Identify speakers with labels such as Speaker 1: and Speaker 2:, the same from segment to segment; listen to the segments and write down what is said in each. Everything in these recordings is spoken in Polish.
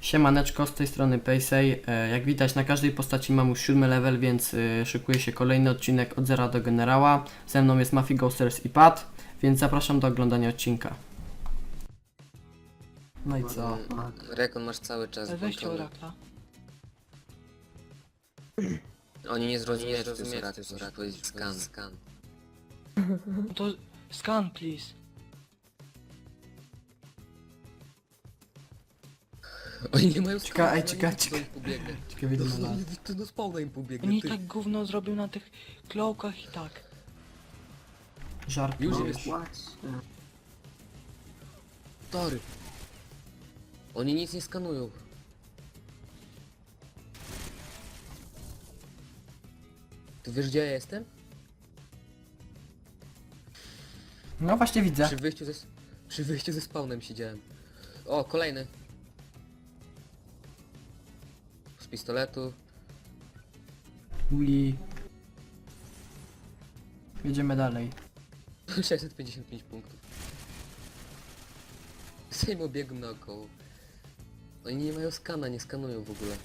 Speaker 1: Siemaneczko, z tej strony Paysay. Jak widać na każdej postaci mam już 7 level, więc szykuje się kolejny odcinek od zera do generała. Ze mną jest Mafia Ghosters i Pat, więc zapraszam do oglądania odcinka. No i co?
Speaker 2: Rekon masz cały czas
Speaker 3: Weźcie
Speaker 2: włączony.
Speaker 3: orakla.
Speaker 2: Oni nie zrozumieją, że to jest orakel, muszę powiedzieć skan.
Speaker 3: No to scan please.
Speaker 2: Oni nie mają skana,
Speaker 1: Ej,
Speaker 2: oni
Speaker 1: czekaj,
Speaker 2: nie widzą,
Speaker 1: czekaj.
Speaker 2: ich pobiegnie.
Speaker 1: Ciekawie
Speaker 2: To
Speaker 1: ile ma lat.
Speaker 2: to do spawna im pobiegnie,
Speaker 3: Oni
Speaker 2: ty.
Speaker 3: tak gówno zrobił na tych klokach i tak.
Speaker 1: Żart
Speaker 2: Już
Speaker 1: no.
Speaker 2: jest. Tory. Oni nic nie skanują. Ty wiesz, gdzie ja jestem?
Speaker 1: No właśnie widzę.
Speaker 2: Przy wyjściu ze spawnem siedziałem. O, kolejny. Z pistoletu.
Speaker 1: Uli. Jedziemy dalej.
Speaker 2: 655 punktów. Sejm obiegł naokoło. Oni nie mają skana, nie skanują w ogóle.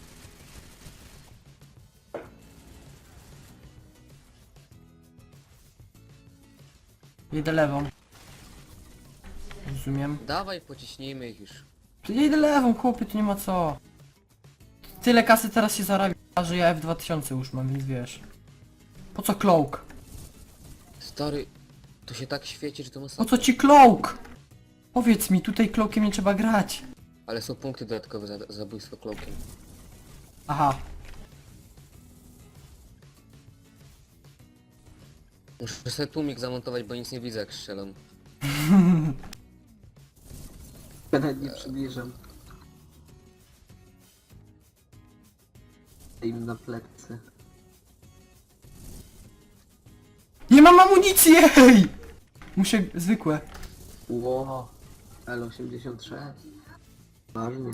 Speaker 1: Jedę lewą. Rozumiem.
Speaker 2: Dawaj, pociśnijmy ich już.
Speaker 1: To ja idę lewą, chłopie, to nie ma co. Tyle kasy teraz się zarabia, że ja F2000 już mam, więc wiesz. Po co cloak?
Speaker 2: Stary, to się tak świeci, że to
Speaker 1: Po
Speaker 2: masakra.
Speaker 1: co ci cloak? Powiedz mi, tutaj cloakiem nie trzeba grać.
Speaker 2: Ale są punkty dodatkowe za zabójstwo cloakiem.
Speaker 1: Aha.
Speaker 2: Muszę sobie tłumik zamontować, bo nic nie widzę jak strzelam.
Speaker 4: Ja nawet nie przybliżam. Im na plecy.
Speaker 1: Nie mam amunicji, ej! Muszę zwykłe.
Speaker 4: Ło, L86. Ważnie.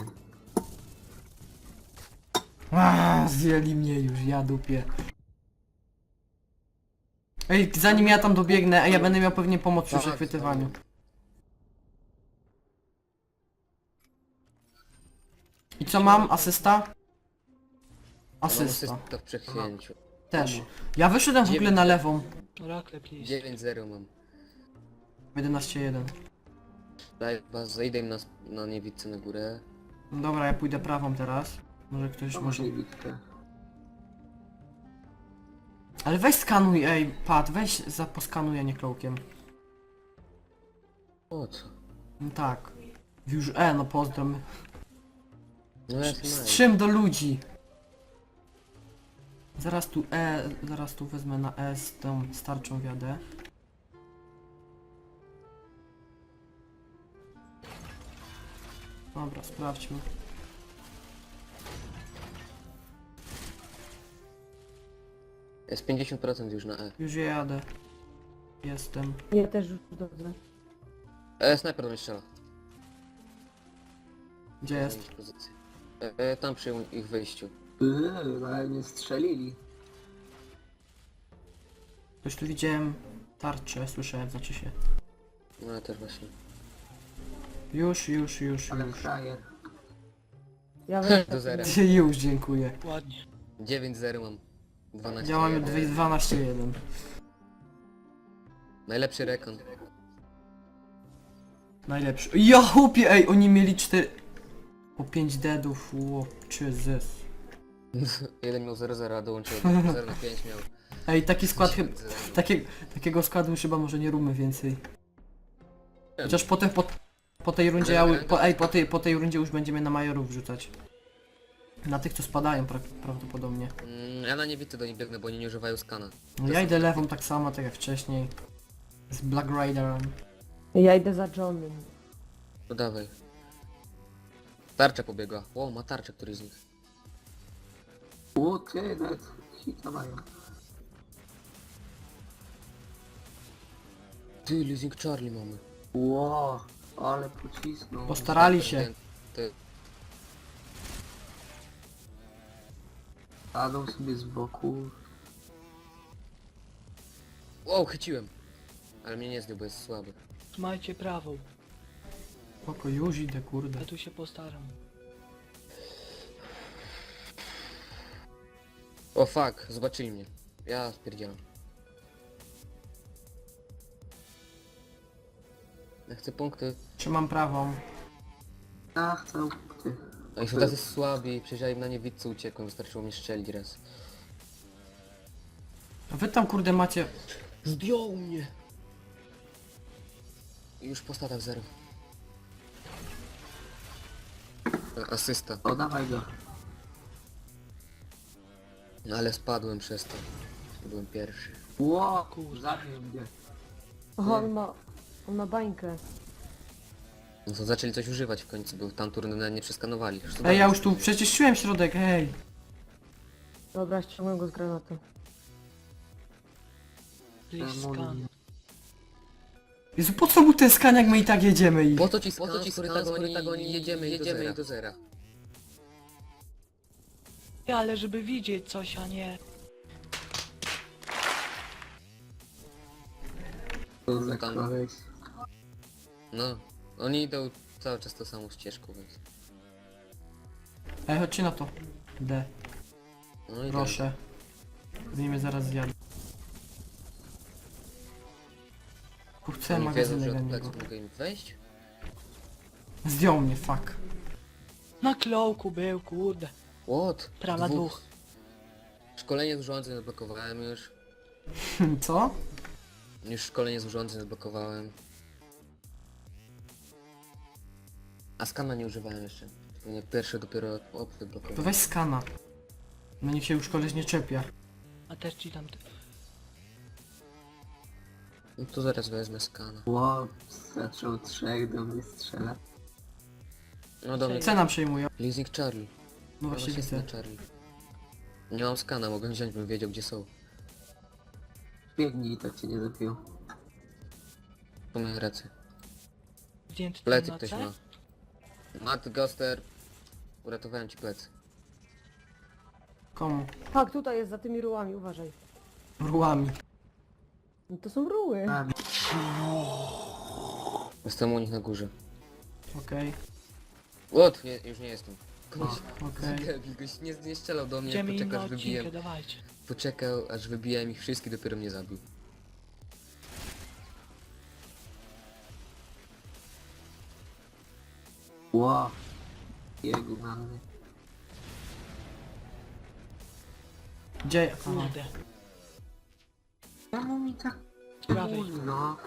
Speaker 1: Zjeli mnie już, ja dupię. Ej, zanim ja tam dobiegnę, ja będę miał pewnie pomoc przy
Speaker 2: Tak,
Speaker 1: przechwytywaniu. I co mam? Asysta? Asysta.
Speaker 2: To w przechwięciu.
Speaker 1: Też. Ja wyszedłem w ogóle na lewą.
Speaker 3: Orakle please.
Speaker 2: 9-0 mam.
Speaker 1: 11-1.
Speaker 2: Daj, zejdę im na niewidce na górę.
Speaker 1: No dobra, ja pójdę prawą teraz. Może ktoś
Speaker 4: To
Speaker 1: może...
Speaker 4: może bitkę.
Speaker 1: Ale weź skanuj, ej, Pat, weź poskanuj, a nie cloakiem.
Speaker 2: O co?
Speaker 1: No tak. Już no pozdrom.
Speaker 2: No ja jestem
Speaker 1: Strzym do ludzi. Zaraz tu wezmę na z tą starczą wiadę. Dobra, sprawdźmy.
Speaker 2: Jest 50% już na E.
Speaker 1: Już jadę. Jestem.
Speaker 5: Ja też już dobrze.
Speaker 2: Snajper do mnie strzela.
Speaker 1: Gdzie jest?
Speaker 2: Pozycję. Tam przy ich wyjściu.
Speaker 4: Ale nie strzelili.
Speaker 1: Ktoś tu widziałem tarczę, słyszałem, znaczy się.
Speaker 2: No ja też właśnie.
Speaker 1: Już.
Speaker 4: Ale frajer.
Speaker 5: Ja weź
Speaker 2: Do zera.
Speaker 1: Już, dziękuję.
Speaker 3: Ładnie.
Speaker 2: 9-0 mam. 12.
Speaker 1: Ja mam 12-1.
Speaker 2: Najlepszy rekon.
Speaker 1: Najlepszy. Ja chłopie, ej, oni mieli 4... Po 5 deadów, Jesus.
Speaker 2: Jeden miał 0-0, a dołączył 0-5 miał.
Speaker 1: Ej, taki skład chyba...
Speaker 2: 10-0.
Speaker 1: Takiego składu już chyba może nie róbmy więcej. Chociaż potem po tej rundzie po tej rundzie już będziemy na majorów wrzucać. Na tych co spadają prawdopodobnie.
Speaker 2: Ja na niewidce do nich biegnę, bo oni nie używają skana.
Speaker 1: No ja idę lewą tak samo, tak jak wcześniej. Z Black Riderem.
Speaker 5: Ja idę za Johnem.
Speaker 2: No dawaj. Tarcza pobiegła. O, ma tarczę któryś z nich.
Speaker 4: Ło, ty, nawet hita mają.
Speaker 2: Ty, Losing Charlie mamy.
Speaker 4: Ło, ale pocisnął.
Speaker 1: Postarali się.
Speaker 2: Ty,
Speaker 4: Staną sobie z boku.
Speaker 2: wow, chyciłem. Ale mnie nie zdjął, bo jest słaby.
Speaker 3: Trzymajcie prawą.
Speaker 1: Spoko, już idę, kurde.
Speaker 3: Ja tu się postaram.
Speaker 2: O fuck, zobaczyli mnie. Ja spierdzielam. Ja chcę punkty.
Speaker 1: Trzymam prawą.
Speaker 4: Ja chcę punkty.
Speaker 2: Oni są tacy słabi, przecież ja im na niewidce uciekłem, wystarczyło mnie strzelić raz.
Speaker 1: A wy tam kurde macie...
Speaker 2: Zdjął mnie! I już po statach 0. Asysta.
Speaker 4: O, dawaj go.
Speaker 2: No ale spadłem przez to. Byłem pierwszy.
Speaker 4: Ło, zabił mnie.
Speaker 5: Aha, on ma bańkę.
Speaker 2: No to zaczęli coś używać w końcu, bo tam turny nawet nie przeskanowali.
Speaker 1: Ej, ja już tu przecież czułem środek, hej.
Speaker 5: Dobra, ściągnę go z granatu.
Speaker 3: Please scan.
Speaker 1: Jezu, po co mu ten skan, jak my i tak jedziemy ich?
Speaker 2: Po co ci skan, skoro tak oni jedziemy i do zera.
Speaker 3: Ale żeby widzieć coś, a nie...
Speaker 4: To za
Speaker 2: Tam.
Speaker 4: koleś.
Speaker 2: No, oni idą cały czas tą samą ścieżką, więc...
Speaker 1: Ej, chodźcie na to. D,
Speaker 2: No i
Speaker 1: proszę. Pewnie mnie zaraz zjadą. Tu chcę
Speaker 2: Oni wiedzą,
Speaker 1: magazynek
Speaker 2: że
Speaker 1: na
Speaker 2: od
Speaker 1: niego.
Speaker 2: pleców mogę im wejść?
Speaker 1: Zdjął mnie, fuck.
Speaker 3: Na klołku był, kurde.
Speaker 2: What?
Speaker 3: Prawa dwóch.
Speaker 2: Szkolenie z urządzeń odblokowałem już.
Speaker 1: Co?
Speaker 2: Już szkolenie z urządzeń odblokowałem. A skana nie używałem jeszcze. Nie, pierwszy dopiero
Speaker 1: To
Speaker 2: odblokowałem.
Speaker 1: weź skana. No niech się już koleś nie czepia.
Speaker 3: A też ci tam...
Speaker 2: No to zaraz wezmę skana.
Speaker 4: Ło, zaczął 3 do mnie strzela.
Speaker 2: No do mnie.
Speaker 1: Cena przejmują.
Speaker 2: Leasing Charlie.
Speaker 1: No
Speaker 2: Ja
Speaker 1: właśnie
Speaker 2: jestem
Speaker 1: widzę.
Speaker 2: na Charlie. Nie mam skana, mogę wziąć, bym wiedział gdzie są.
Speaker 4: Biegnij i tak cię nie zabił.
Speaker 2: Po mojej ręce.
Speaker 3: Zdjęty
Speaker 2: Plecy
Speaker 3: na
Speaker 2: ktoś
Speaker 3: C?
Speaker 2: ma. Matt Goster. Uratowałem ci plecy.
Speaker 1: Komu?
Speaker 5: Tak, tutaj jest za tymi rułami, uważaj.
Speaker 1: Rułami.
Speaker 5: No to są ruły.
Speaker 4: A,
Speaker 2: Jestem u nich na górze.
Speaker 1: Okej,
Speaker 2: What? Nie, już nie jestem.
Speaker 1: okej.
Speaker 2: Gość nie strzelał do mnie,
Speaker 3: Idziemy im na
Speaker 2: poczekał aż wybiłem.
Speaker 3: odcinkę, dawajcie.
Speaker 2: Poczekał aż wybijałem ich wszystkich, dopiero mnie zabił.
Speaker 4: ło. Biegł na mnie.
Speaker 1: Gdzie? Aha.
Speaker 3: Kurde.
Speaker 4: Czemu mi tak
Speaker 3: Z prawej.
Speaker 4: późno?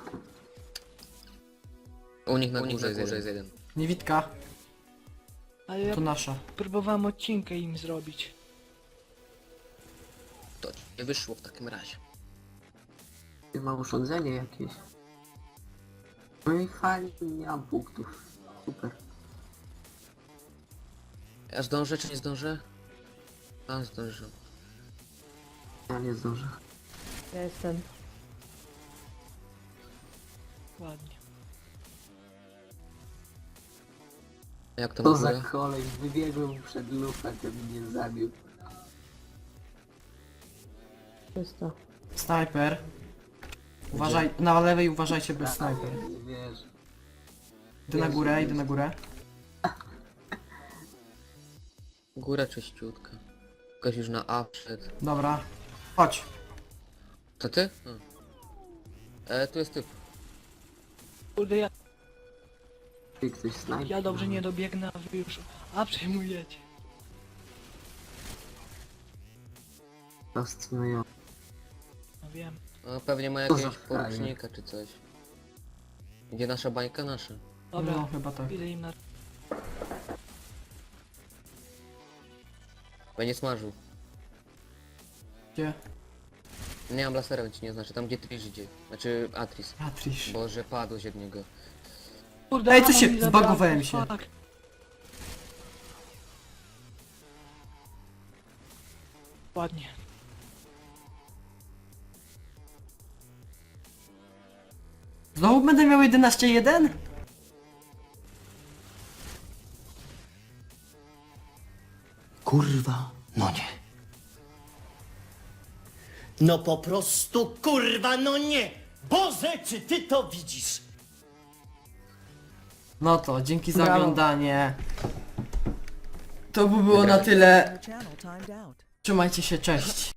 Speaker 2: U nich na górze jest jeden.
Speaker 1: Niewidka,
Speaker 3: Ale ja
Speaker 1: to nasza.
Speaker 3: próbowałem odcinkę im zrobić.
Speaker 2: To ci nie wyszło w takim razie.
Speaker 4: Ty ma urządzenie jakieś. No i fajnie, nie mam punktów. Super.
Speaker 2: Ja zdążę czy nie zdążę? A, zdążę.
Speaker 4: Ja nie zdążę.
Speaker 5: Ja jestem.
Speaker 3: Ładnie.
Speaker 2: Jak to
Speaker 4: To
Speaker 2: na
Speaker 4: za
Speaker 2: górę?
Speaker 4: kolej, wybiegłem przed lufę, to mnie zabił.
Speaker 5: Czysto.
Speaker 1: Snajper. Uważaj, na lewej uważajcie, bez snajper.
Speaker 4: Nie wierzę.
Speaker 1: Idę na górę, idę na górę.
Speaker 2: Góra czyściutka. Ktoś już na A wszedł.
Speaker 1: Dobra. Chodź.
Speaker 2: To ty? Tu jest typ.
Speaker 3: Kurde,
Speaker 4: Ty ktoś snajper.
Speaker 3: ja dobrze nie dobiegnę, a wy już... A przejmujecie.
Speaker 4: Fascynujące.
Speaker 3: No wiem.
Speaker 2: O, pewnie ma
Speaker 4: To za
Speaker 2: jakiegoś
Speaker 4: frajer.
Speaker 2: porucznika czy coś. Gdzie nasza bańka? Nasza.
Speaker 3: Dobra,
Speaker 1: No, chyba tak.
Speaker 3: idę im na...
Speaker 2: Będzie smażył.
Speaker 1: Gdzie?
Speaker 2: Nie mam lasera, więc ci nie znaczy. Tam gdzie Trish idzie. Znaczy Atris.
Speaker 1: Patrisz.
Speaker 2: Boże, padłeś od niego.
Speaker 3: Kurde,
Speaker 1: Ej, co
Speaker 3: ammo
Speaker 1: się-
Speaker 3: mi zabrakło,
Speaker 1: zbagowałem się.
Speaker 3: fuck. Ładnie.
Speaker 1: Znowu będę miał 11-1?
Speaker 6: Kurwa, no nie. No po prostu kurwa, no nie! Boże, czy ty to widzisz?
Speaker 1: No to, dzięki za
Speaker 5: Brawo.
Speaker 1: oglądanie. To by było na tyle.
Speaker 7: Your channel timed out.
Speaker 1: Trzymajcie się, cześć.